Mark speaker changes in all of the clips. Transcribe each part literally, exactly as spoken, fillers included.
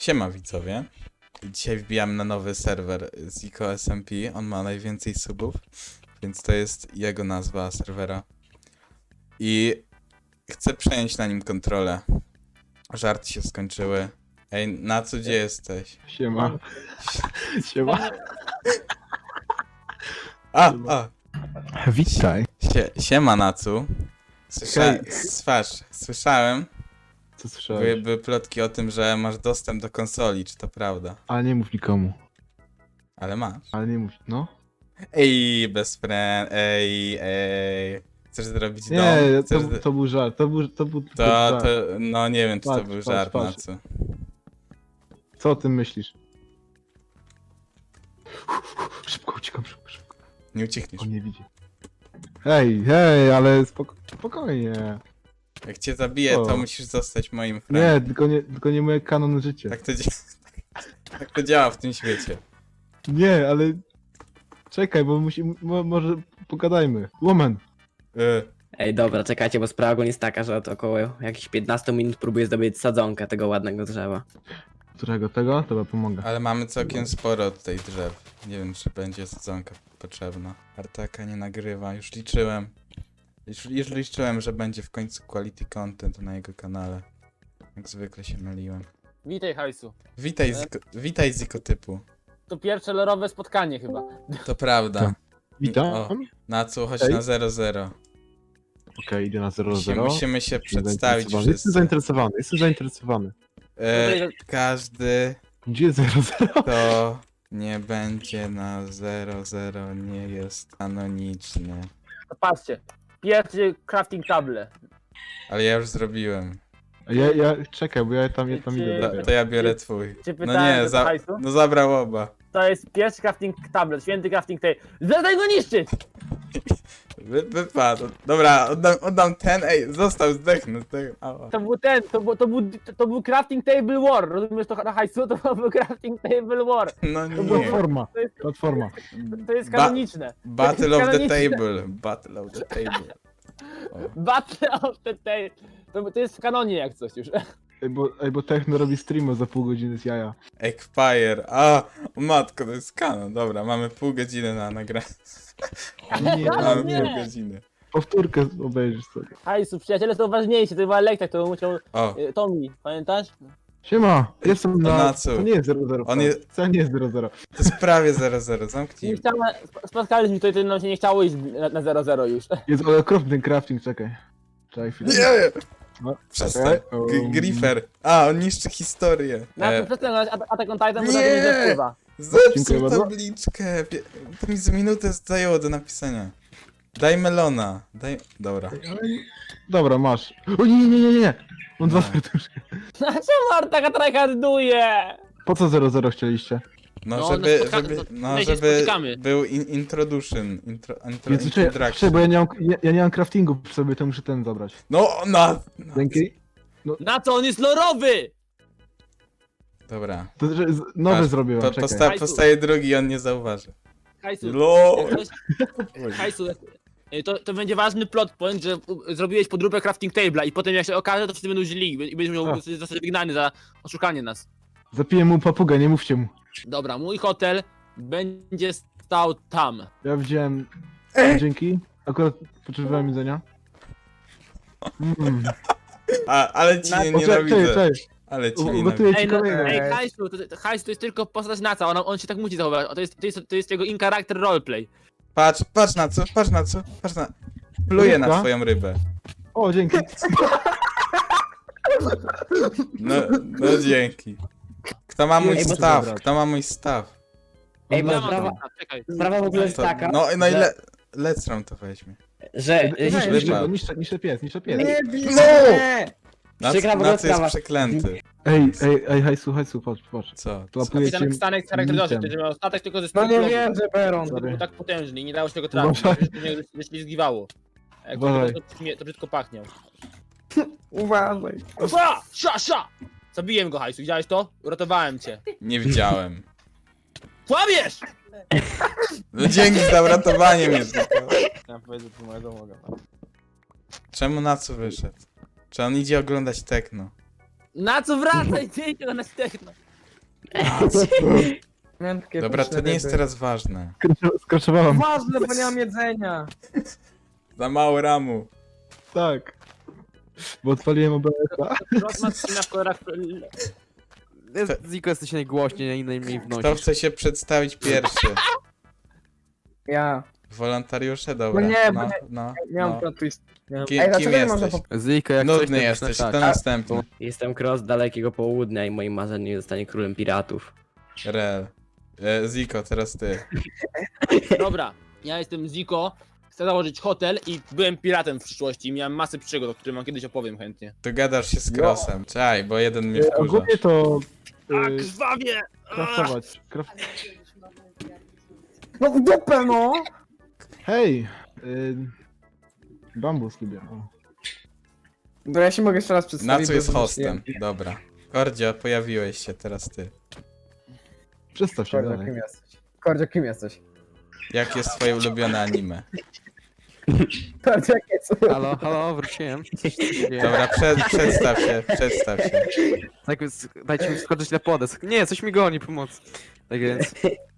Speaker 1: Siema widzowie. Dzisiaj wbijam na nowy serwer Zico S M P. On ma najwięcej subów, więc to jest jego nazwa serwera. I chcę przejąć na nim kontrolę. Żarty się skończyły. Ej, Nacu, gdzie jesteś?
Speaker 2: Siema. Siema.
Speaker 1: A, a!
Speaker 2: Witaj.
Speaker 1: Sie, siema, Nacu. Słysza,
Speaker 2: Hej.
Speaker 1: swasz, słyszałem,
Speaker 2: Co
Speaker 1: były,
Speaker 2: słyszałeś?
Speaker 1: były plotki o tym, że masz dostęp do konsoli, czy to prawda?
Speaker 2: Ale nie mów nikomu.
Speaker 1: Ale masz.
Speaker 2: Ale nie mów, no.
Speaker 1: Ej, best friend, ej, ej. Chcesz zrobić dom?
Speaker 2: Nie, to,
Speaker 1: Chcesz... zro-
Speaker 2: to był żart, to był, to był to,
Speaker 1: To,
Speaker 2: żart.
Speaker 1: to, no nie wiem, czy to
Speaker 2: Patrz,
Speaker 1: był
Speaker 2: patrz,
Speaker 1: żart,
Speaker 2: patrz.
Speaker 1: Nacu.
Speaker 2: Co o tym myślisz? Szybko uciekam, szybko, szybko.
Speaker 1: Nie uciekniesz.
Speaker 2: On nie widzi. Hej, hej, ale spoko spokojnie.
Speaker 1: Jak cię zabiję, to
Speaker 2: O.
Speaker 1: musisz zostać moim friendem.
Speaker 2: Nie, tylko nie, tylko nie moje kanon życie.
Speaker 1: Tak to, dzia- tak to działa w tym świecie.
Speaker 2: Nie, ale... Czekaj, bo musi, mo, może pogadajmy. Woman.
Speaker 1: Y,
Speaker 3: Ej, dobra, czekajcie, bo sprawa ogólnie jest taka, że od około jakichś piętnaście minut próbuję zdobyć sadzonkę tego ładnego drzewa.
Speaker 2: Którego tego? To pomogę.
Speaker 1: ale mamy całkiem sporo tutaj drzew. Nie wiem, czy będzie sadzonka potrzebna. Artaka nie nagrywa, już liczyłem. Już, już liczyłem, że będzie w końcu quality content na jego kanale. Jak zwykle się myliłem.
Speaker 4: Witaj, Hajsu.
Speaker 1: Witaj, Ziko, witaj Zikotypu.
Speaker 4: To pierwsze lorowe spotkanie chyba.
Speaker 1: To prawda.
Speaker 2: Tak. Witam.
Speaker 1: O.
Speaker 2: Okej,
Speaker 1: Nacu, chodź
Speaker 2: Ej.
Speaker 1: na zero zero.
Speaker 2: idę na zero
Speaker 1: Musimy,
Speaker 2: zero.
Speaker 1: musimy się przedstawić
Speaker 2: Jestem
Speaker 1: wszyscy.
Speaker 2: zainteresowany, jestem zainteresowany.
Speaker 1: E, każdy,
Speaker 2: Gdzie zero zero?
Speaker 1: kto nie będzie na zero zero, nie jest kanoniczny.
Speaker 4: To patrzcie. Pierwszy crafting table.
Speaker 1: Ale ja już zrobiłem.
Speaker 2: Ja, ja, czekaj, bo ja tam, ja tam idę.
Speaker 1: To,
Speaker 2: dopiero.
Speaker 1: to ja biorę twój.
Speaker 4: Czy
Speaker 1: No
Speaker 4: pytałem
Speaker 1: nie,
Speaker 4: do
Speaker 1: za,
Speaker 4: hajsu?
Speaker 1: no zabrał oba.
Speaker 4: To jest pierwszy crafting table, święty crafting table. Zadaj go niszczyć!
Speaker 1: Wy, wypadł. Dobra, oddam, oddam ten, ej, został, zdechnę. zdechnę. Ała.
Speaker 4: To był ten, to był, to był, to był crafting table war. Rozumiesz to na hajsu? To był crafting table war.
Speaker 1: No
Speaker 4: było
Speaker 1: nie.
Speaker 2: Platforma,
Speaker 4: To jest,
Speaker 2: platforma.
Speaker 4: to jest
Speaker 1: Ba-
Speaker 4: kanoniczne.
Speaker 1: Battle of the
Speaker 4: kanoniczne.
Speaker 1: table. Battle of the table. O.
Speaker 4: Battle of the table. To, to jest w kanonie jak coś już.
Speaker 2: Ej, bo, ej, bo Techno robi streama za pół godziny z jaja.
Speaker 1: Expire. A, o matko, to jest kanon. Dobra, mamy pół godziny na nagranie.
Speaker 2: Nie,
Speaker 1: Mamy
Speaker 4: nie.
Speaker 1: pół godziny.
Speaker 2: powtórkę obejrzysz sobie.
Speaker 4: Hajsu, przyjaciele są ważniejsi. To chyba lektak, to musiał...
Speaker 1: O,
Speaker 4: y, Tommy, pamiętasz?
Speaker 2: Siema, jestem
Speaker 1: To
Speaker 2: na...
Speaker 1: na co?
Speaker 2: To nie jest zero zero.
Speaker 1: On jest-
Speaker 2: To nie jest zero zero.
Speaker 1: to jest prawie zero zero,
Speaker 4: Nie
Speaker 1: zamknij.
Speaker 4: chciałem, sp- spotkaliśmy tutaj, to nam się nie chciało iść na- na zero zero już.
Speaker 2: Jest ale okropny crafting, czekaj. Czekaj chwilę.
Speaker 1: Nie!
Speaker 2: No,
Speaker 1: Przestań.
Speaker 2: czekaj.
Speaker 1: G-
Speaker 2: Um,
Speaker 1: Griffer. A, on niszczy historię.
Speaker 4: Na to
Speaker 1: E,
Speaker 4: przestań grać Attack on Titan, bo
Speaker 1: nie!
Speaker 4: to nie wpływa.
Speaker 2: Dziękuję
Speaker 1: Zepsuł
Speaker 2: bardzo.
Speaker 1: tabliczkę. Pie- To mi z minutę zajęło do napisania. Daj melona. Daj... Dobra.
Speaker 2: Dobra, masz. O nie, nie, nie, nie, nie. Mam dwa
Speaker 1: No.
Speaker 2: serduszka.
Speaker 4: Czemu Artaka tryharduje?
Speaker 2: Po co zero zero chcieliście?
Speaker 1: No,
Speaker 4: No,
Speaker 1: żeby,
Speaker 4: no spotka-
Speaker 1: żeby,
Speaker 4: no,
Speaker 1: no,
Speaker 4: my się
Speaker 1: żeby
Speaker 4: spotykamy.
Speaker 1: był in, introduction. Intro, intro,
Speaker 2: Więc czekaj,
Speaker 1: introduction.
Speaker 2: czekaj, bo ja nie mam, ja, ja nie mam craftingu przy sobie, to muszę ten zabrać.
Speaker 1: No, na... no.
Speaker 2: Dzięki.
Speaker 4: Na co on jest lorowy?
Speaker 1: Dobra.
Speaker 2: To że z- nowy
Speaker 1: Patrz,
Speaker 2: zrobiłem,
Speaker 1: Po,
Speaker 2: czekaj.
Speaker 1: posta
Speaker 4: Hajsu.
Speaker 1: postaje drugi i on nie zauważy.
Speaker 4: Hajsu,
Speaker 1: LOL.
Speaker 4: jak ktoś- Hajsu, jak- to, to będzie ważny plot point, że u- zrobiłeś podróbę crafting table'a i potem jak się okaże, to wszyscy będą źli i będziesz miał
Speaker 2: A.
Speaker 4: zostać wygnany za oszukanie nas.
Speaker 2: Zapiję mu papugę, nie mówcie mu.
Speaker 4: Dobra, mój hotel będzie stał tam.
Speaker 2: Ja wziąłem...
Speaker 1: Ej.
Speaker 2: Dzięki. Akurat potrzebowałem jedzenia. Mm.
Speaker 1: A, ale ci
Speaker 4: Na-
Speaker 1: nie
Speaker 2: O, czekaj, czekaj,
Speaker 1: nienawidzę.
Speaker 2: czekaj.
Speaker 1: Ale ci
Speaker 2: U-
Speaker 1: nienawidzę.
Speaker 2: Ugotuję ci
Speaker 4: Ej, no,
Speaker 2: kolejne.
Speaker 4: ej, Hajsu, to, to, Hajsu to jest tylko postać Naca, on, on się tak musi zachowywać, to jest, to jest, to jest jego in-character roleplay.
Speaker 1: Patrz, patrz na co, patrz na co, patrz na... Pluję na
Speaker 2: Rybka?
Speaker 1: twoją rybę.
Speaker 2: O, dzięki.
Speaker 1: No, no dzięki. Kto ma mój
Speaker 2: Ej, bo-
Speaker 1: staw? Kto ma mój staw?
Speaker 3: Ej, bo
Speaker 4: Ja
Speaker 3: sprawa,
Speaker 4: mam- Czekaj.
Speaker 3: sprawa w ogóle jest
Speaker 1: To,
Speaker 3: taka,
Speaker 1: no, no i
Speaker 3: że,
Speaker 1: le, Lecram to weźmie.
Speaker 3: że
Speaker 2: Nie,
Speaker 3: że-
Speaker 2: niszczę, niszczę, niszczę pies, niszczę pies.
Speaker 1: No!
Speaker 3: Przykra
Speaker 1: Nac,
Speaker 3: w ogóle
Speaker 1: Nac jest
Speaker 3: sprawa.
Speaker 1: przeklęty.
Speaker 2: Ej, ej, ej, hajsu, hajsu, patrz, patrz.
Speaker 1: Co?
Speaker 2: To
Speaker 1: Co?
Speaker 2: łapuję cię...
Speaker 4: Kapitan Stanek z charakterystyczny,
Speaker 2: mitem.
Speaker 4: który miał statek tylko ze
Speaker 3: No nie
Speaker 4: stylów.
Speaker 3: wiem, że Beron.
Speaker 4: To
Speaker 2: Sorry.
Speaker 4: był tak potężny i nie dało się tego trafić,
Speaker 2: Uważaj.
Speaker 4: to mnie ześlizgiwało. Jak
Speaker 2: Uważaj.
Speaker 4: to, to, brzmi- to brzydko pachniał.
Speaker 3: Uważaj.
Speaker 4: Sza! Sza! Sza! Zabiłem go, Hajsu, widziałeś to? Uratowałem cię.
Speaker 1: Nie widziałem.
Speaker 4: Kłamiesz!
Speaker 1: No dzięki za uratowanie mnie. tylko.
Speaker 4: Ja powiedzieć, że moja domoga.
Speaker 1: Czemu Nacu wyszedł? Czy on idzie oglądać techno?
Speaker 4: Na co wracaj? Dzień go na techno.
Speaker 5: Miałem takie
Speaker 1: Dobra, to
Speaker 5: pyszne
Speaker 1: nie jest
Speaker 5: ryby.
Speaker 1: teraz ważne.
Speaker 2: Skracz- Skraczowałam.
Speaker 5: Ważne, bo nie mam jedzenia.
Speaker 1: Za mało ramu.
Speaker 2: Tak. Bo odpaliłem O B S-a.
Speaker 4: Rosman w kolorach...
Speaker 6: Jest- Ziko jesteś najgłośniej, najmniej
Speaker 1: Kto
Speaker 6: wnosisz.
Speaker 1: chce się przedstawić pierwszy?
Speaker 5: Ja.
Speaker 1: Wolontariusze, dobra.
Speaker 5: No nie, bo
Speaker 1: no,
Speaker 5: nie-
Speaker 1: no,
Speaker 5: Miałem
Speaker 1: no.
Speaker 5: plot twist. Miałem...
Speaker 1: Ki-
Speaker 5: Ej, dlaczego
Speaker 1: kim
Speaker 5: nie można
Speaker 1: jesteś?
Speaker 5: po...
Speaker 6: Ziko, jak coś,
Speaker 1: Nudny
Speaker 6: to
Speaker 1: jesteś,
Speaker 6: tak.
Speaker 1: to następny.
Speaker 3: Jestem Cross z dalekiego południa i moim marzeniem zostanie królem piratów.
Speaker 1: Rel. E, Ziko, teraz ty.
Speaker 4: Dobra, ja jestem Ziko, chcę założyć hotel i byłem piratem w przyszłości i miałem masę przygód, o których wam kiedyś opowiem chętnie.
Speaker 1: Dogadasz się z Crossem. Czaj, bo jeden mnie
Speaker 2: E,
Speaker 1: wkurza.
Speaker 2: Ogólnie to...
Speaker 4: A,
Speaker 2: y,
Speaker 4: krwawie!
Speaker 2: Kraftować. Kraft...
Speaker 5: No w dupę, no!
Speaker 2: Hej! Y... Bambus lubię. O.
Speaker 5: Bo ja się mogę jeszcze raz przedstawić.
Speaker 1: Na co
Speaker 5: bo
Speaker 1: jest
Speaker 5: już
Speaker 1: hostem?
Speaker 5: nie-
Speaker 1: Dobra. Kordzio, pojawiłeś się, teraz ty.
Speaker 2: Przedstaw się
Speaker 5: Kordzio,
Speaker 2: dalej.
Speaker 5: kim jesteś? Kordzio, kim jesteś?
Speaker 1: Jak jest twoje ulubione anime?
Speaker 5: Kordzio, jak jest?
Speaker 6: Halo, halo, wróciłem. Coś, co się dzieje?
Speaker 1: Dobra, przed, przedstaw się, przedstaw się.
Speaker 6: Tak więc dajcie mi skoczyć na podesk. Nie, coś mi goni, pomoc. Tak więc...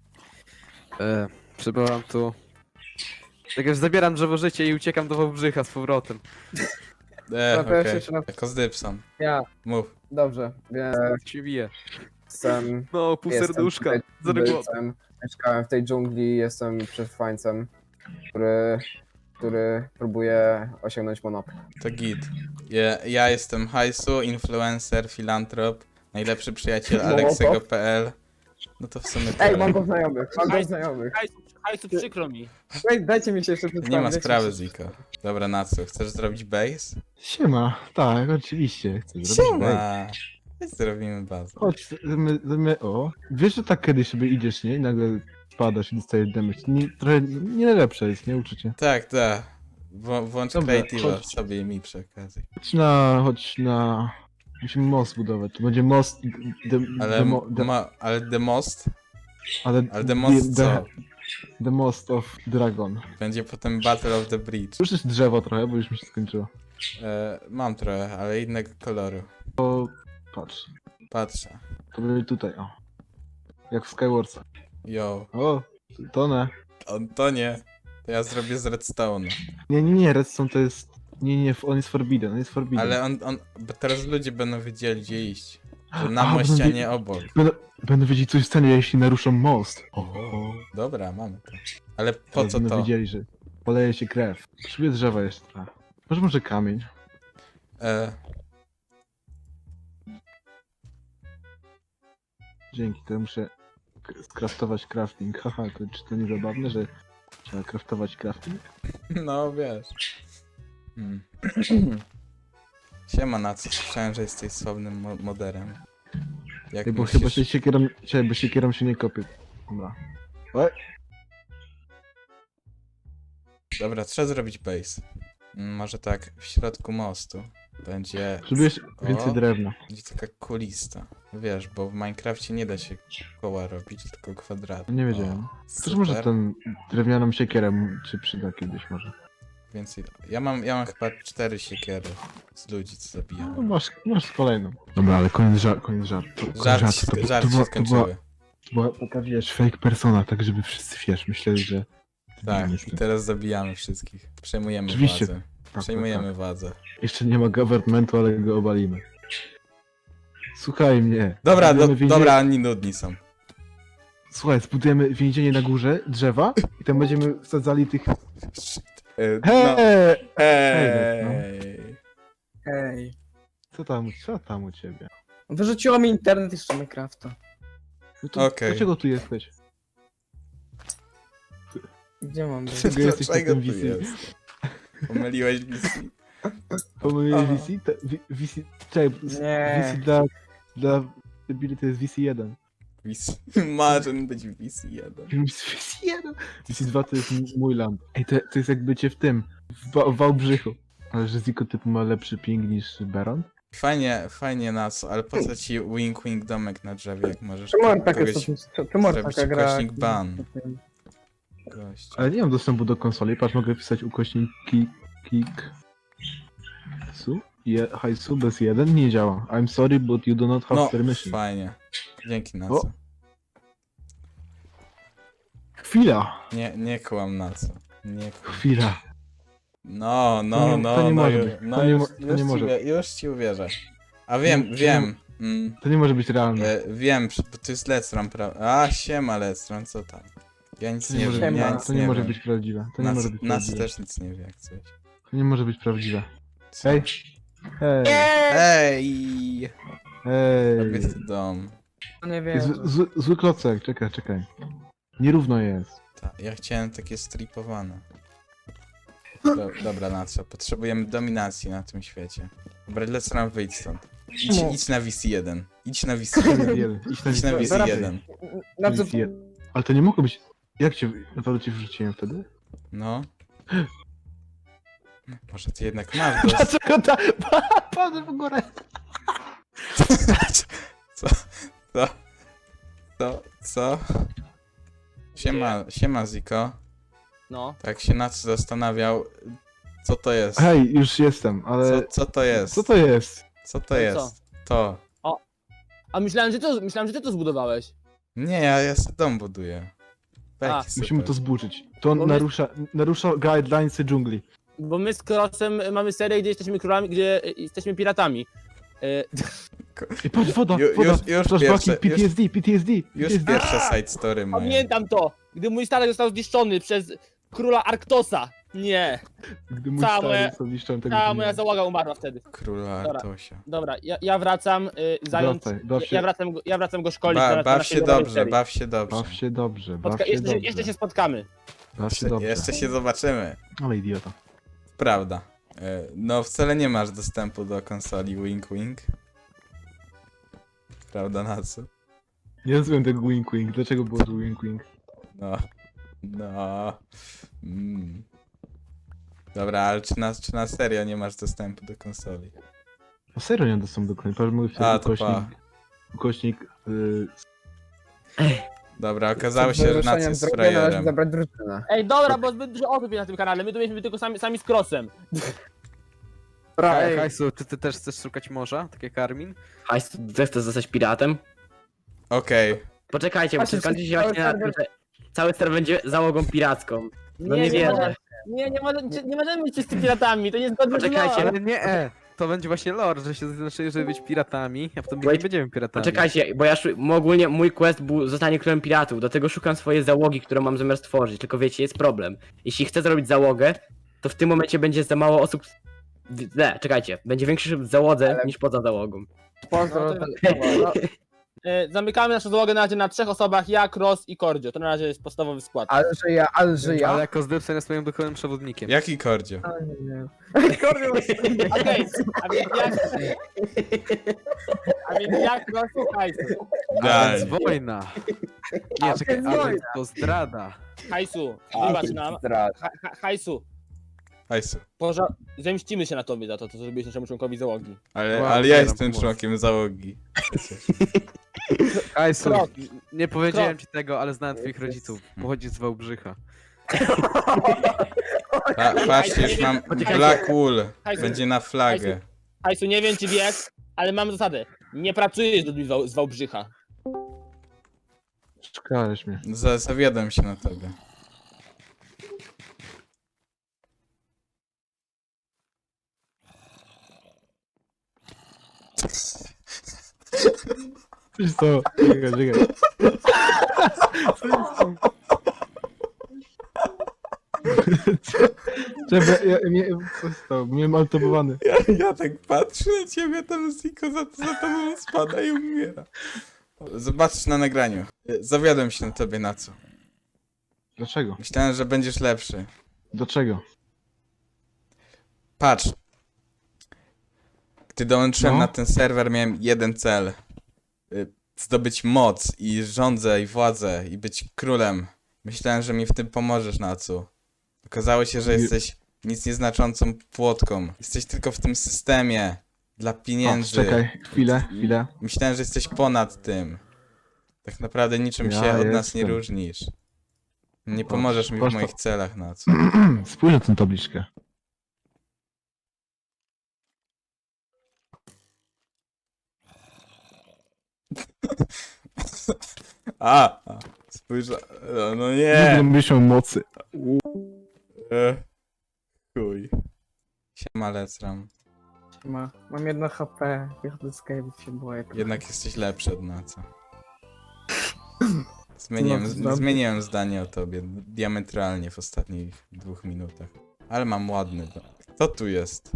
Speaker 6: E, przybyłam tu... Tak więc zabieram drzewo życia i uciekam do Wałbrzycha z powrotem.
Speaker 1: E,
Speaker 5: Dobra,
Speaker 1: okej.
Speaker 5: jeszcze raz.
Speaker 1: Jako Zdypson.
Speaker 5: Ja,
Speaker 1: Mów.
Speaker 5: dobrze, więc
Speaker 6: Tak się bije.
Speaker 5: jestem...
Speaker 6: No, pół
Speaker 5: jestem
Speaker 6: serduszka.
Speaker 5: tutaj
Speaker 6: Zero głos.
Speaker 5: tubylcem, mieszkałem w tej dżungli, jestem przetrwańcem, który... który próbuje osiągnąć monopol.
Speaker 1: To git. Ja, ja jestem Hajsu, influencer, filantrop, najlepszy przyjaciel
Speaker 5: Mołotow.
Speaker 1: Aleksego kropka p l. No to w sumie
Speaker 5: Ej,
Speaker 1: tyle.
Speaker 5: mam go znajomych, mam go
Speaker 4: Hajs-
Speaker 5: znajomych.
Speaker 4: Hajsu, hajsu przykro mi.
Speaker 5: Ej, dajcie mi się jeszcze przedstawić.
Speaker 1: Nie ma
Speaker 5: dajcie
Speaker 1: sprawy,
Speaker 5: mi się-
Speaker 1: Ziko. Dobra, na co? Chcesz zrobić base?
Speaker 2: Siema. Tak, oczywiście. Chcę zrobić base.
Speaker 1: Siema! Zrobimy bazę.
Speaker 2: Chodź, zmy, zmy, o. Wiesz, że tak kiedyś sobie idziesz, nie? I nagle spadasz i dostajesz damage. Nie, trochę nie najlepsze jest, nie? Uczucie.
Speaker 1: Tak, tak. Wło- Włącz
Speaker 2: Dobra,
Speaker 1: Creative'a
Speaker 2: chodź.
Speaker 1: sobie i mi przy okazji.
Speaker 2: Chodź na, chodź na... Musimy most budować. To będzie most... De,
Speaker 1: Ale,
Speaker 2: demo, de,
Speaker 1: ma, ale The Most?
Speaker 2: ale
Speaker 1: Ale The Most
Speaker 2: the,
Speaker 1: co?
Speaker 2: the Most of Dragon.
Speaker 1: Będzie potem Battle of the Bridge.
Speaker 2: Słyszysz drzewo trochę, bo już mi się skończyło.
Speaker 1: E, mam trochę, ale innego koloru.
Speaker 2: Patrz.
Speaker 1: Patrzę.
Speaker 2: To będzie tutaj, o. Jak w Skywarsach.
Speaker 1: Yo.
Speaker 2: O, tonę.
Speaker 1: On to nie. To ja zrobię z Redstone'a.
Speaker 2: Nie, nie, nie, Redstone to jest... Nie, nie, on jest forbidden, on jest forbidden.
Speaker 1: Ale on, on, bo teraz ludzie będą wiedzieli gdzie iść. Że na
Speaker 2: A,
Speaker 1: moście, a
Speaker 2: będą
Speaker 1: nie obok.
Speaker 2: Będę, będę wiedzieć, co się stanie, jeśli naruszą most. O,
Speaker 1: Dobra, mamy to. Ale po
Speaker 2: teraz
Speaker 1: co
Speaker 2: będą
Speaker 1: to?
Speaker 2: wiedzieli, że poleje się krew. Potrzebuję drzewa jeszcze trochę. Może może kamień.
Speaker 1: E,
Speaker 2: Dzięki, to ja muszę k- skraftować crafting. Haha, to, czy to nie zabawne, że trzeba craftować crafting?
Speaker 1: no wiesz. Hmm. Siema na co? Słyszałem, że jesteś sławnym mo moderem. Jak
Speaker 2: Ej, bo
Speaker 1: myślisz...
Speaker 2: chyba się siekierą, czekaj, bo siekierą się nie kopie. Dobra. Oj,
Speaker 1: Dobra, trzeba zrobić base. Mm, Może tak, w środku mostu będzie...
Speaker 2: potrzebujesz więcej
Speaker 1: O,
Speaker 2: drewna.
Speaker 1: będzie taka kulista. Wiesz, bo w Minecrafcie nie da się koła robić, tylko kwadraty.
Speaker 2: Nie wiedziałem.
Speaker 1: O,
Speaker 2: Też
Speaker 1: super.
Speaker 2: może ten drewnianą siekierę m- się przyda kiedyś może.
Speaker 1: Więcej... Ja mam, ja mam chyba cztery siekiery z ludzi, co
Speaker 2: No,
Speaker 1: zabijałem.
Speaker 2: masz, masz kolejną. Dobra, ale koniec żart, koniec żart. Koniec
Speaker 1: Żart,
Speaker 2: żartu.
Speaker 1: się,
Speaker 2: To by-
Speaker 1: żart
Speaker 2: to była-
Speaker 1: się
Speaker 2: to była-
Speaker 1: skończyły.
Speaker 2: To była taka, wiesz, fake persona, tak żeby wszyscy, wiesz, myśleli, że...
Speaker 1: Tak,
Speaker 2: Jestem.
Speaker 1: i teraz zabijamy wszystkich. Przejmujemy
Speaker 2: Oczywiście.
Speaker 1: władzę.
Speaker 2: Tak,
Speaker 1: Przejmujemy
Speaker 2: tak,
Speaker 1: władzę.
Speaker 2: tak. Jeszcze nie ma governmentu, ale go obalimy. Słuchaj mnie.
Speaker 1: Dobra, do,
Speaker 2: Zbudujemy więzienie-
Speaker 1: dobra, oni nudni są.
Speaker 2: Słuchaj, zbudujemy więzienie na górze, drzewa i tam będziemy wsadzali tych...
Speaker 1: E,
Speaker 2: Hej!
Speaker 1: No,
Speaker 2: Hej, no.
Speaker 1: hej.
Speaker 5: Ej.
Speaker 2: Co tam, co tam u ciebie?
Speaker 5: Wyrzuciło mi internet jeszcze Minecrafta.
Speaker 2: No to
Speaker 1: Okej.
Speaker 2: dlaczego tu jesteś?
Speaker 5: Gdzie mam być?
Speaker 2: Dlaczego jesteś
Speaker 1: Dlaczego
Speaker 2: takim
Speaker 1: tu
Speaker 2: V C?
Speaker 1: jest? Pomyliłeś V C?
Speaker 2: Pomyliłeś
Speaker 1: Aha.
Speaker 2: V C? To, V- VC... Czekaj,
Speaker 5: Nie.
Speaker 2: V C dla... dla... Debili to jest V C jeden.
Speaker 1: V C. Marzę być V C jeden.
Speaker 2: V C jeden? V C dwa to jest m- mój land. Ej, to, to jest jak bycie w tym, w, Wa- w Wałbrzychu. Ale że Ziko typu ma lepszy ping niż Baron?
Speaker 1: Fajnie, fajnie nas, ale po co ci wink wink domek na drzewie, jak możesz
Speaker 5: Czemu on taka,
Speaker 1: kogoś
Speaker 5: czemu on
Speaker 1: zrobić
Speaker 5: taka gra?
Speaker 1: ukośnik ban. gościa.
Speaker 2: Ale nie mam dostępu do konsoli, patrz, mogę wpisać ukośnik kick... kick... Su? Je, hajsu bez jeden nie działa. I'm sorry, but you do not have
Speaker 1: No,
Speaker 2: spare machine.
Speaker 1: fajnie. Dzięki na
Speaker 2: O.
Speaker 1: co.
Speaker 2: Chwila,
Speaker 1: Nie, nie kłam na co. Nie kłam.
Speaker 2: chwila.
Speaker 1: No,
Speaker 2: To
Speaker 1: no,
Speaker 2: nie-
Speaker 1: no,
Speaker 2: to nie
Speaker 1: no,
Speaker 2: może
Speaker 1: ju-
Speaker 2: być.
Speaker 1: no
Speaker 2: To nie
Speaker 1: już,
Speaker 2: mo- to
Speaker 1: już,
Speaker 2: nie
Speaker 1: ci
Speaker 2: może.
Speaker 1: wie- już ci uwierzę. A wiem,
Speaker 2: To nie-
Speaker 1: wiem. Mm,
Speaker 2: To nie może być realne.
Speaker 1: e, wiem, przy- bo to jest Lectron, prawda? A, siema Lectron, co tam? Ja nic
Speaker 2: To
Speaker 1: nie
Speaker 2: nie, może,
Speaker 1: wiem, ja
Speaker 5: Siema.
Speaker 1: nic
Speaker 2: to
Speaker 1: nie
Speaker 2: nie może
Speaker 1: wiem.
Speaker 2: być prawdziwe. To nie
Speaker 1: Nas,
Speaker 2: może być
Speaker 1: nas
Speaker 2: prawdziwe.
Speaker 1: też nic nie wie, jak coś.
Speaker 2: To nie może być prawdziwe.
Speaker 1: Co?
Speaker 2: Hej. Hej.
Speaker 1: Ej!
Speaker 2: Hej.
Speaker 1: Robię to dom.
Speaker 5: To nie wiem.
Speaker 2: Jest zły, zły, zły klocek, czekaj, czekaj. Nierówno jest.
Speaker 1: Ta, ja chciałem takie stripowane. Do, dobra, na co? Potrzebujemy dominacji na tym świecie. Dobra, Lectron, wyjdź stąd. Idź,
Speaker 5: No.
Speaker 1: idź na V C jeden. Idź na V C
Speaker 2: Idź
Speaker 1: jeden.
Speaker 2: na jeden. Idź na
Speaker 1: Idź na V C
Speaker 2: Zaraz.
Speaker 1: jeden.
Speaker 5: Na co?
Speaker 2: Ale to nie mogło być... Jak cię... Naprawdę cię wrzuciłem wtedy?
Speaker 1: No. Może ty jednak masz dos...
Speaker 2: Dlaczego ta... Patrz w górę.
Speaker 1: Co? Co? Co? Co? Siema, siema Ziko.
Speaker 4: No.
Speaker 1: Tak się nad zastanawiał, co to jest?
Speaker 2: Hej, już jestem,
Speaker 1: Co,
Speaker 2: ale...
Speaker 1: co to jest?
Speaker 2: Co to jest?
Speaker 1: Co to
Speaker 4: co?
Speaker 1: jest? To.
Speaker 4: A myślałem, że to, myślałem, że ty to zbudowałeś.
Speaker 1: Nie, ja, ja sobie dom buduję.
Speaker 4: A,
Speaker 1: Beki sobie.
Speaker 2: Musimy to zburzyć. To
Speaker 4: Bo my-
Speaker 2: narusza, narusza guidelinesy dżungli.
Speaker 4: Bo my z Krosem mamy serię, gdzie jesteśmy królami, gdzie y, jesteśmy piratami. Y,
Speaker 2: I patrz, woda,
Speaker 1: Ju-
Speaker 2: woda.
Speaker 1: już- już
Speaker 2: Flashbacki,
Speaker 1: pierwsze-
Speaker 2: P T S D, P T S D.
Speaker 1: Już
Speaker 2: P T S D.
Speaker 1: pierwsze side story moje.
Speaker 4: Pamiętam to! Gdy mój statek został zniszczony przez króla Arktosa. Nie,
Speaker 2: Gdy mój
Speaker 4: Całe-
Speaker 2: stary został zniszczony tego
Speaker 4: cała
Speaker 2: dnia.
Speaker 4: moja załoga umarła wtedy.
Speaker 1: Króla
Speaker 4: Dobra.
Speaker 1: Artosia.
Speaker 4: Dobra, ja, ja wracam, y, zając...
Speaker 2: Wracaj, baw się,
Speaker 4: Ja wracam, go- ja wracam go szkolić.
Speaker 1: Ba,
Speaker 4: na- na
Speaker 1: baw
Speaker 4: naszej
Speaker 1: się
Speaker 4: nowej
Speaker 1: dobrze,
Speaker 4: serii.
Speaker 1: baw się dobrze.
Speaker 2: baw się dobrze, baw
Speaker 4: Spotka-
Speaker 2: się
Speaker 4: jeszcze,
Speaker 2: dobrze.
Speaker 4: jeszcze się spotkamy.
Speaker 2: Baw się
Speaker 1: Jeszcze,
Speaker 2: dobrze.
Speaker 1: jeszcze się zobaczymy.
Speaker 2: Ale idiota.
Speaker 1: Prawda. E, No wcale nie masz dostępu do konsoli Wink Wink. Prawda na co?
Speaker 2: Nie rozumiem tego wink wink. Dlaczego było to wink wink?
Speaker 1: No. No. Mm. Dobra, ale czy na, czy na serio nie masz dostępu do konsoli?
Speaker 2: A serio nie dostęp do końca. Patrz, mój
Speaker 1: A, to
Speaker 2: ukośnik.
Speaker 1: pa.
Speaker 2: Ukośnik... Y,
Speaker 1: Dobra, okazało
Speaker 5: Przed
Speaker 1: się, że
Speaker 5: wyruszeniem
Speaker 1: Nacy jest
Speaker 5: z drogi należy
Speaker 1: frajerem.
Speaker 5: zabrać drużynę.
Speaker 4: Ej, dobra, bo zbyt dużo osób jest na tym kanale, my tu mieliśmy tylko sami, sami z Krosem.
Speaker 6: Hej, Hajsu, czy ty też chcesz szukać morza, tak jak Armin?
Speaker 3: Hajs, ty chcesz zostać piratem?
Speaker 1: Okej.
Speaker 3: Poczekajcie, bo
Speaker 5: Patrzcie,
Speaker 3: skończy się
Speaker 5: cały
Speaker 3: właśnie na tym,
Speaker 5: serwer-
Speaker 3: że cały serwer będzie załogą piracką. No nie
Speaker 4: nie,
Speaker 3: wierzę.
Speaker 4: może- nie, nie, może, nie możemy być czysty piratami, to nie zgodne z
Speaker 3: Poczekajcie,
Speaker 4: lore.
Speaker 6: Ale nie, e, to będzie właśnie lore, że się zaznaczy, żeby być piratami, a potem nie
Speaker 3: Wait.
Speaker 6: będziemy piratami.
Speaker 3: Poczekajcie, bo ja szu- ogólnie mój quest był zostanie królem piratów, do tego szukam swojej załogi, którą mam zamiar stworzyć, tylko wiecie, jest problem. Jeśli chcę zrobić załogę, to w tym momencie będzie za mało osób... w- Nie, czekajcie, będzie większy w załodze
Speaker 5: Ale-
Speaker 3: niż poza załogą.
Speaker 5: Pozdro.
Speaker 4: No to- E, zamykamy naszą załogę na razie na trzech osobach, ja, Cross i Kordzio. To na razie jest podstawowy skład.
Speaker 5: Ale że ja, ale że ja.
Speaker 6: Ale jako zdrywca jest moim duchowym przewodnikiem.
Speaker 1: Jaki kordzio?
Speaker 5: A, nie wiem.
Speaker 4: Okej, a więc ja... A więc ja, Cross i Hajsu.
Speaker 6: A więc
Speaker 1: Idealnie.
Speaker 6: wojna. Nie,
Speaker 5: A
Speaker 6: czekaj,
Speaker 5: więc
Speaker 6: a więc
Speaker 5: wojna.
Speaker 6: to zdrada.
Speaker 4: Hajsu,
Speaker 5: A,
Speaker 4: wybacz nam.
Speaker 5: zdrad.
Speaker 4: Ha, ha, hajsu,
Speaker 1: Hajsu.
Speaker 4: poża... zemścimy się na tobie za to, co zrobiłeś naszemu członkowi załogi.
Speaker 1: Ale,
Speaker 6: Wow,
Speaker 1: ale ja
Speaker 6: zbieram
Speaker 1: jestem
Speaker 6: pomoc.
Speaker 1: członkiem załogi.
Speaker 6: Hajsu,
Speaker 4: Krok.
Speaker 6: nie powiedziałem
Speaker 4: Krok.
Speaker 6: ci tego, ale znałem twoich rodziców. Pochodzi z Wałbrzycha.
Speaker 1: Pa, patrzcie, już mam
Speaker 4: Poczekajcie.
Speaker 1: Black Wool.
Speaker 4: Hajsu.
Speaker 1: Będzie na flagę.
Speaker 4: Hajsu, nie wiem czy wiesz, ale mam zasadę. Nie pracujesz z ludźmi z Wał- z Wałbrzycha.
Speaker 2: Szkałeś mnie.
Speaker 1: Za, zawiodłem się na tobie.
Speaker 2: Wiesz co? Czekaj, czekaj. Czekaj, ja, ja, ja, co stało? Miałem altobowany.
Speaker 1: Ja, ja tak patrzę na ciebie, tam Ziko za, za tobą spada i umiera. Zobaczysz na nagraniu. Zawiodłem się na tobie na co.
Speaker 2: Dlaczego?
Speaker 1: Myślałem, że będziesz lepszy.
Speaker 2: Dlaczego?
Speaker 1: Patrz. Gdy dołączyłem
Speaker 2: No.
Speaker 1: na ten serwer, miałem jeden cel. Y, Zdobyć moc i rządzę i władzę i być królem. Myślałem, że mi w tym pomożesz, Nacu. Okazało się, że
Speaker 2: Nie-
Speaker 1: jesteś nic nieznaczącą płotką. Jesteś tylko w tym systemie. Dla
Speaker 2: O,
Speaker 1: pieniędzy.
Speaker 2: czekaj, chwilę, chwilę.
Speaker 1: Myślałem, że jesteś ponad tym. Tak naprawdę niczym
Speaker 2: Ja
Speaker 1: się od nas nie
Speaker 2: jestem.
Speaker 1: różnisz. Nie pomożesz mi w
Speaker 2: Patrz to.
Speaker 1: moich celach, Nacu.
Speaker 2: Spójrz na tę tabliczkę.
Speaker 1: A, a spójrz, no, no
Speaker 2: Nie
Speaker 1: nie.
Speaker 2: myślą mocy.
Speaker 1: E, chuj. Siema, Lecram.
Speaker 7: Ma, mam jedno H P, wychodzę z cave'ów, się boję.
Speaker 1: Jednak jesteś lepszy od Naca. Zmieniłem,
Speaker 7: No, znam.
Speaker 1: zmieniłem zdanie o tobie diametralnie w ostatnich dwóch minutach. Ale mam ładny dom. Kto tu jest?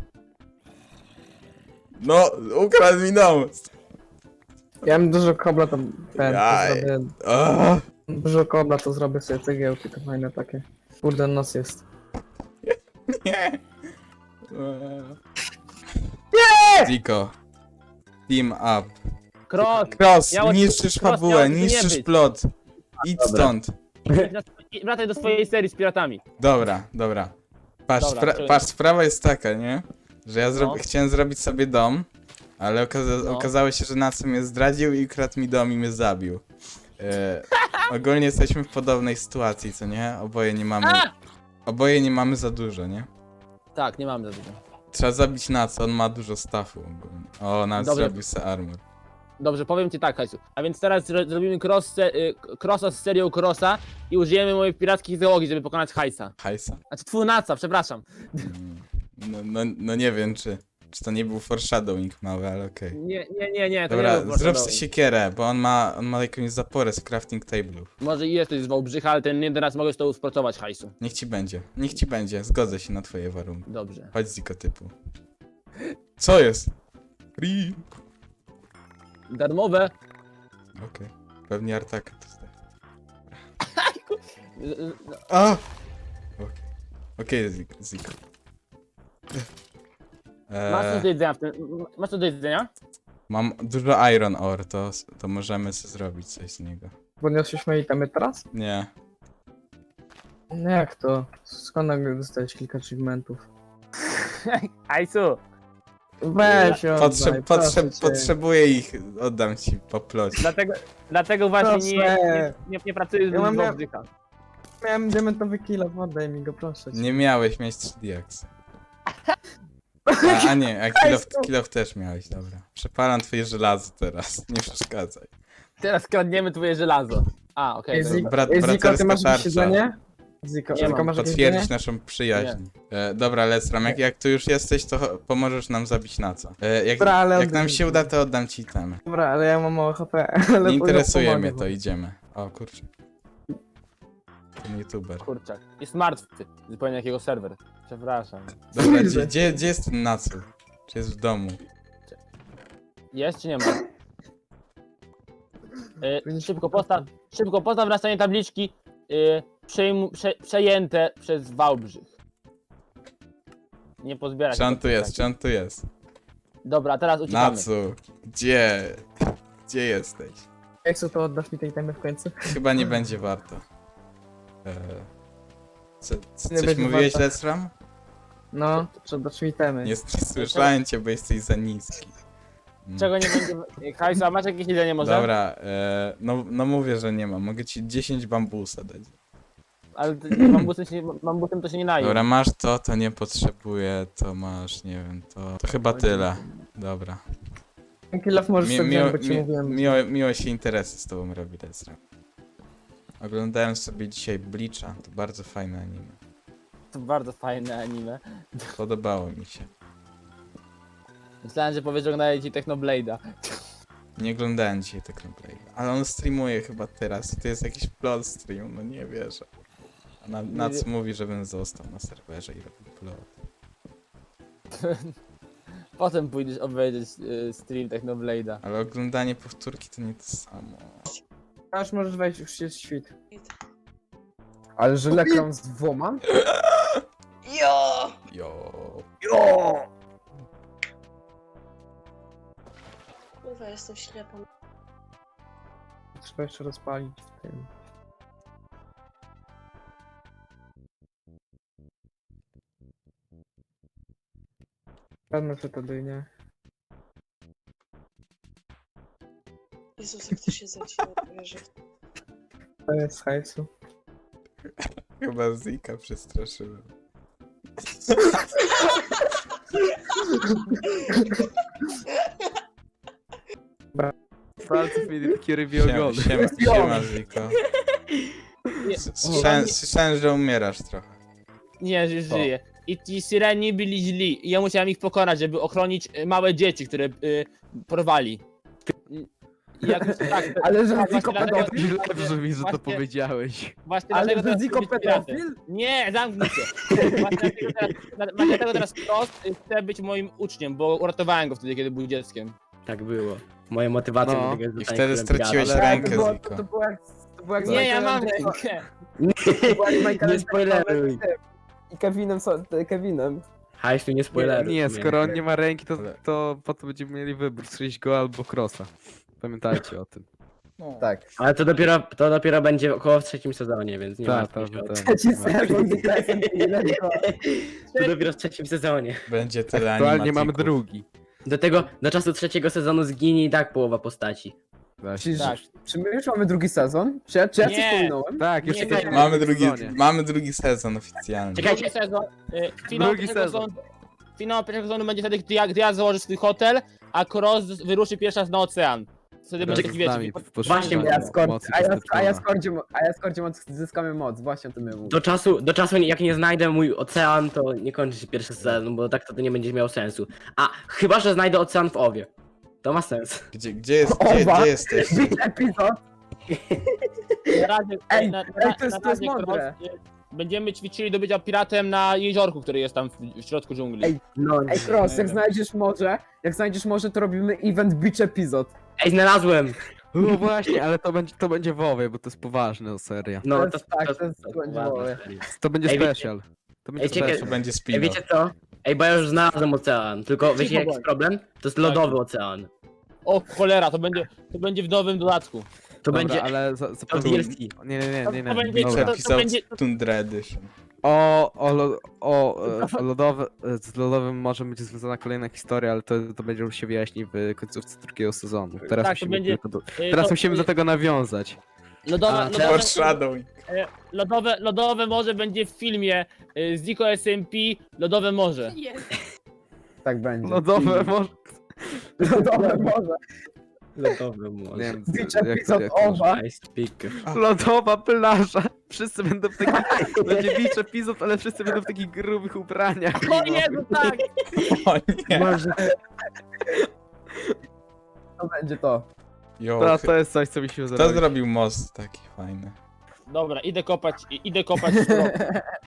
Speaker 1: No, ukradł mi dom!
Speaker 7: Ja mam dużo kobla, to ten, to
Speaker 1: Jaj.
Speaker 7: zrobię,
Speaker 1: O,
Speaker 7: dużo kobla, to zrobię sobie cegiełki, to fajne takie. Kurde, nos jest.
Speaker 1: nie! Nie! Ziko. Team up.
Speaker 4: Cross!
Speaker 1: Cross,
Speaker 4: Miało-
Speaker 1: niszczysz
Speaker 4: Cross,
Speaker 1: fabułę,
Speaker 4: miało tu nie
Speaker 1: niszczysz
Speaker 4: być.
Speaker 1: plot. Idź
Speaker 3: Dobra.
Speaker 1: stąd.
Speaker 4: Wracaj do swojej serii z piratami.
Speaker 1: Dobra, dobra. Patrz,
Speaker 4: Dobra,
Speaker 1: spra-
Speaker 4: czyli-
Speaker 1: patrz, sprawa jest taka, nie? Że ja zro-
Speaker 4: No.
Speaker 1: chciałem zrobić sobie dom, ale okaza-
Speaker 4: No.
Speaker 1: okazało się, że Naco mnie zdradził i ukradł mi dom i mnie zabił. E, ogólnie jesteśmy w podobnej sytuacji, co nie? Oboje nie mamy...
Speaker 4: A!
Speaker 1: Oboje nie mamy za dużo, nie?
Speaker 4: Tak, nie mamy za dużo.
Speaker 1: Trzeba zabić Naco, on ma dużo staffu ogólnie. O, Nac
Speaker 4: Dobrze.
Speaker 1: zrobił se armor.
Speaker 4: Dobrze, powiem ci tak, Hajsu. A więc teraz zro zrobimy cross se y, crossa z serią crossa i użyjemy mojej pirackiej załogi, żeby pokonać Hajsa.
Speaker 1: Hajsa?
Speaker 4: Znaczy twój naca, przepraszam.
Speaker 1: Mm, No, no, no nie wiem, czy, czy to nie był foreshadowing mały, ale okej.
Speaker 4: Nie, nie, nie, nie, to
Speaker 1: Dobra,
Speaker 4: nie był
Speaker 1: zrób
Speaker 4: foreshadowing.
Speaker 1: sobie siekierę, bo on ma, on ma jakąś zaporę z crafting table'ów.
Speaker 4: Może i jesteś z Wałbrzycha, ale ten jeden raz mogę z tobą współpracować, Hajsu.
Speaker 1: Niech ci będzie, niech ci będzie, zgodzę się na twoje warunki.
Speaker 4: Dobrze.
Speaker 1: Chodź Ziko typu. Co jest? Free.
Speaker 4: Darmowe.
Speaker 1: Okej, pewnie Artaka to zdać.
Speaker 4: Y, y,
Speaker 1: A! Okej, okay, Ziko. Ziko.
Speaker 4: Masz coś do
Speaker 1: Eee,
Speaker 4: jedzenia w tym... Masz coś do jedzenia?
Speaker 1: mam dużo iron ore, to, to możemy sobie zrobić coś z niego.
Speaker 7: Podniosłeś moje itemy teraz?
Speaker 1: Nie.
Speaker 7: No jak to? Skąd nagle dostałeś kilka achievementów?
Speaker 4: Hajsu!
Speaker 7: Weź ją,
Speaker 1: Potrze- potrze- potrzebuję ich, oddam ci po plocie.
Speaker 4: Dlatego, dlatego właśnie nie,
Speaker 7: Proszę.
Speaker 4: nie, nie, nie pracuję z
Speaker 7: Ja mam-
Speaker 4: Wałbrzycha.
Speaker 7: Miałem diamentowy kill, oddaj mi go, proszę cię.
Speaker 1: Nie miałeś mieć trzy diaksy. A, a nie, a kill of, kill of też miałeś, dobra. Przepalam twoje żelazo teraz, nie przeszkadzaj.
Speaker 4: Teraz kradniemy twoje żelazo. A, okej.
Speaker 7: Ej,
Speaker 4: dobra.
Speaker 7: Ziko,
Speaker 1: brat-
Speaker 7: Ej, Ziko, ty
Speaker 1: braterska
Speaker 7: masz
Speaker 1: tarcza.
Speaker 7: jakieś jedzenie? Ziko,
Speaker 4: Nie
Speaker 7: Ziko
Speaker 4: mam.
Speaker 7: masz jakieś jedzenie?
Speaker 1: Potwierdzić naszą przyjaźń. E, dobra, Lesram, jak, jak tu już jesteś, to cho- pomożesz nam zabić na co. E, jak,
Speaker 7: Dobra, ale
Speaker 1: jak
Speaker 7: oddaj
Speaker 1: nam
Speaker 7: mi
Speaker 1: się
Speaker 7: to.
Speaker 1: uda, to oddam ci temy.
Speaker 7: Dobra, ale ja mam mało H P. Ale
Speaker 1: Nie interesuje
Speaker 7: pomogę
Speaker 1: mnie
Speaker 7: wam.
Speaker 1: to, idziemy. O kurczę. Ten youtuber.
Speaker 4: Kurczak. Jest martwy. Zupełnie jakiego serwer. Przepraszam.
Speaker 1: Dobra, gdzie, gdzie, gdzie jest ten Nacu? Czy jest w domu?
Speaker 4: Jest czy nie ma? Y, szybko postaw, szybko postaw na stanie tabliczki y, przejmu, prze, przejęte przez Wałbrzych. Nie pozbierać.
Speaker 1: Czy on
Speaker 4: tego
Speaker 1: tu jest?
Speaker 4: tak.
Speaker 1: Czy on tu jest?
Speaker 4: Dobra, teraz uciekamy.
Speaker 1: Nacu, gdzie? Gdzie jesteś?
Speaker 7: Jak co, to oddasz mi tej itemy w końcu?
Speaker 1: Chyba nie będzie warto. Eee, co, co,
Speaker 7: Nie
Speaker 1: coś
Speaker 7: będzie
Speaker 1: mówiłeś,
Speaker 7: warto.
Speaker 1: Lesram?
Speaker 7: No, to oddasz mi itemy.
Speaker 1: Nie, nie słyszałem cię, bo jesteś za niski. Mm.
Speaker 4: Czego nie będzie... Hajsu, a masz jakieś jedzenie może?
Speaker 1: Dobra, e, no, no mówię, że nie mam. Mogę ci dziesięć bambusa dać.
Speaker 4: Ale ty- bambusem, się, nie- bambusem to się nie naje.
Speaker 1: Dobra, masz to, to nie potrzebuję, to masz, nie wiem, to... To chyba tyle. Dobra.
Speaker 7: Kill off możesz
Speaker 1: Mi,
Speaker 7: sobie
Speaker 1: miło,
Speaker 7: wziąć, bo ci
Speaker 1: mi,
Speaker 7: mówiłem.
Speaker 1: miło, miło się interesy z tobą robi, Lesra. Oglądałem sobie dzisiaj Bleacha, to bardzo fajne anime.
Speaker 4: To bardzo fajne anime.
Speaker 1: Podobało mi się.
Speaker 4: Myślałem, że powiesz, że oglądałeś ci Technoblade'a.
Speaker 1: Nie oglądałem dzisiaj Technoblade, ale on streamuje chyba teraz i to jest jakiś plot stream, no nie wierzę. A na, na co mówi, żebym został na serwerze i robił plot.
Speaker 4: Potem pójdziesz obejrzeć y, stream Technoblade'a.
Speaker 1: Ale oglądanie powtórki to nie to samo.
Speaker 7: Aż możesz wejść, już jest świt.
Speaker 5: Ale że lekram z dwoma?
Speaker 1: Jo!
Speaker 8: Kurwa, jestem ślepą.
Speaker 7: Trzeba jeszcze rozpalić w tym. Pewno co to dynie.
Speaker 8: Jezus, jak to się zacięło, wierzę.
Speaker 7: To jest hajsu.
Speaker 1: Chyba Zika przestraszyłem.
Speaker 6: palców mieli takie rybie
Speaker 1: Siema,
Speaker 6: ogony.
Speaker 1: siema, siema Ziko. S- Słyszałem, słyszałem, że umierasz trochę.
Speaker 4: Nie, że żyje. I ci syreni byli źli. I ja musiałem ich pokonać, żeby ochronić y, małe dzieci, które y, porwali. I jakoś tak,
Speaker 5: Ale że
Speaker 4: tak,
Speaker 5: Ziko
Speaker 4: właśnie dlatego-
Speaker 5: pedofil?
Speaker 6: Źle brzmi, że to
Speaker 4: Właśnie-
Speaker 6: powiedziałeś.
Speaker 4: Właśnie
Speaker 5: Ale
Speaker 4: dlatego
Speaker 5: że
Speaker 4: teraz
Speaker 5: Ziko
Speaker 4: chcę być piratem.
Speaker 5: pedofil?
Speaker 4: Nie, zamknij się. Właśnie dlatego teraz, właśnie dlatego teraz Frost y, chce być moim uczniem, bo uratowałem go wtedy, kiedy był dzieckiem.
Speaker 3: Tak było. Moją motywacją
Speaker 6: No.
Speaker 3: do tego jest
Speaker 1: I
Speaker 3: zostanie
Speaker 1: wtedy
Speaker 3: królem
Speaker 1: straciłeś
Speaker 3: piratów.
Speaker 5: Ale
Speaker 1: rękę,
Speaker 5: to było,
Speaker 1: Ziko.
Speaker 5: to było jak... To było jak
Speaker 4: Nie, ja mam
Speaker 5: Michaelem
Speaker 4: rękę.
Speaker 5: To było jak Michaelem
Speaker 3: Nie spoileruj.
Speaker 5: I Kevinem, so, Kevinem.
Speaker 3: Hajsu, nie spoileruj.
Speaker 6: Nie, skoro on nie ma ręki, to,
Speaker 1: Ale-
Speaker 6: to potem będziemy mieli wybór, strzelić go albo crossa. Pamiętajcie o tym.
Speaker 5: Tak.
Speaker 3: Ale to dopiero, to dopiero będzie około w trzecim sezonie, więc nie
Speaker 6: Tak,
Speaker 3: martwcie
Speaker 6: tak,
Speaker 3: się o
Speaker 6: tak.
Speaker 5: Trzeci sezon z K S M P, let's go.
Speaker 3: To dopiero w trzecim sezonie.
Speaker 1: Będzie tyle
Speaker 6: Aktualnie mamy
Speaker 1: animatików.
Speaker 6: drugi.
Speaker 3: Do tego, do czasu trzeciego sezonu zginie i tak połowa postaci.
Speaker 6: Właśnie.
Speaker 5: Czy,
Speaker 4: Tak.
Speaker 5: czy my już mamy drugi sezon? Czy ja, czy ja coś
Speaker 4: Nie.
Speaker 5: pominąłem?
Speaker 6: Tak, już
Speaker 4: Nie,
Speaker 6: jesteśmy
Speaker 4: nie.
Speaker 1: Mamy
Speaker 6: w
Speaker 1: drugi,
Speaker 6: sezonie.
Speaker 1: mamy drugi sezon oficjalnie.
Speaker 3: Czekajcie.
Speaker 4: Drugi sezon. Y, finał
Speaker 6: Drugi
Speaker 4: pierwszego
Speaker 6: sezon.
Speaker 4: sezonu- Finał pierwszego sezonu będzie wtedy, gdy ja, gdy ja założę swój hotel, a Cross wyruszy pierwszy raz na ocean. Wtedy będzie taki,
Speaker 6: z
Speaker 4: wiecie,
Speaker 6: nami w
Speaker 3: Właśnie,
Speaker 6: poszukiwaniu
Speaker 5: A ja z Kor-
Speaker 6: mocy
Speaker 5: a ja, a ja
Speaker 6: kosmicznej.
Speaker 5: z Kordzie, a ja z Kordzie moc, zyskamy moc, właśnie o tym ja mówię.
Speaker 3: Do czasu, do czasu jak nie znajdę mój ocean, to nie kończy się pierwszy sezon, bo tak to, to nie będzie miało sensu. A chyba, że znajdę ocean w Owie. To ma sens.
Speaker 1: Gdzie, gdzie, jest, gdzie,
Speaker 5: Owa.
Speaker 1: gdzie jesteś?
Speaker 5: Big epizod!
Speaker 4: Na razie,
Speaker 5: Ej,
Speaker 4: na, na,
Speaker 5: ej, to jest-
Speaker 4: na
Speaker 5: to jest
Speaker 4: razie
Speaker 5: mądre.
Speaker 4: Cross, y, będziemy ćwiczyli do bycia piratem na jeziorku, który jest tam w, w środku dżungli.
Speaker 5: Ej.
Speaker 3: No,
Speaker 5: Ej, Cross, jak znajdziesz morze, jak znajdziesz morze, to robimy event Beach epizod.
Speaker 3: Ej, znalazłem!
Speaker 6: No właśnie, ale to będzie, to będzie WoWie, bo to jest poważna seria.
Speaker 3: No,
Speaker 5: To
Speaker 3: to,
Speaker 5: jest tak, to jest
Speaker 3: ładne
Speaker 5: ładne.
Speaker 3: serio.
Speaker 6: To będzie
Speaker 3: Ej, wiecie-
Speaker 6: special. To będzie
Speaker 3: Ej, czekaj,
Speaker 1: To
Speaker 6: special.
Speaker 1: będzie
Speaker 3: Ej,
Speaker 1: spin
Speaker 3: wiecie co? Ej, bo ja już znalazłem ocean, tylko wiecie jaki jest problem? To jest lodowy ocean.
Speaker 4: O cholera, to będzie, to będzie w nowym dodatku.
Speaker 3: To
Speaker 6: Dobra,
Speaker 3: będzie...
Speaker 6: ale za,
Speaker 3: To
Speaker 6: zapomnij-
Speaker 3: D L C.
Speaker 6: Nie, nie, nie, nie,
Speaker 4: To
Speaker 6: nie.
Speaker 4: będzie-
Speaker 6: Dobra.
Speaker 4: to-
Speaker 1: Episode
Speaker 4: będzie-
Speaker 1: Tundra Edition.
Speaker 6: O, o, lo, o, e, o lodowe, e, z lodowym może być związana kolejna historia, ale to, to będzie już się wyjaśni w końcówce drugiego sezonu. Teraz
Speaker 4: Tak, to
Speaker 6: musimy,
Speaker 4: będzie-
Speaker 6: tylko do,
Speaker 4: Y,
Speaker 6: teraz
Speaker 4: to-
Speaker 6: musimy do tego nawiązać.
Speaker 4: Lodowe,
Speaker 3: A,
Speaker 4: lodowe,
Speaker 1: Foreshadowing.
Speaker 4: e, lodowe, lodowe morze będzie w filmie y, Zico S M P Lodowe Morze.
Speaker 5: Tak będzie.
Speaker 6: Lodowe może...
Speaker 5: Lodowe morze.
Speaker 3: Lodowy
Speaker 6: Nie
Speaker 3: może.
Speaker 6: wiem,
Speaker 5: Beach
Speaker 6: jak,
Speaker 5: epizod
Speaker 6: jak,
Speaker 5: Owa.
Speaker 3: Nice pick.
Speaker 6: Lodowa plaża. Wszyscy będą w takich... To będzie beach epizod, ale wszyscy będą w takich grubych ubraniach.
Speaker 4: O Jezu, tak!
Speaker 1: O nie.
Speaker 3: Może...
Speaker 5: To będzie to.
Speaker 1: Jo,
Speaker 6: To, to jest coś, co mi się
Speaker 1: kto
Speaker 6: zrobi.
Speaker 1: zrobił most taki fajny?
Speaker 4: Dobra, idę kopać, i- idę kopać stronę.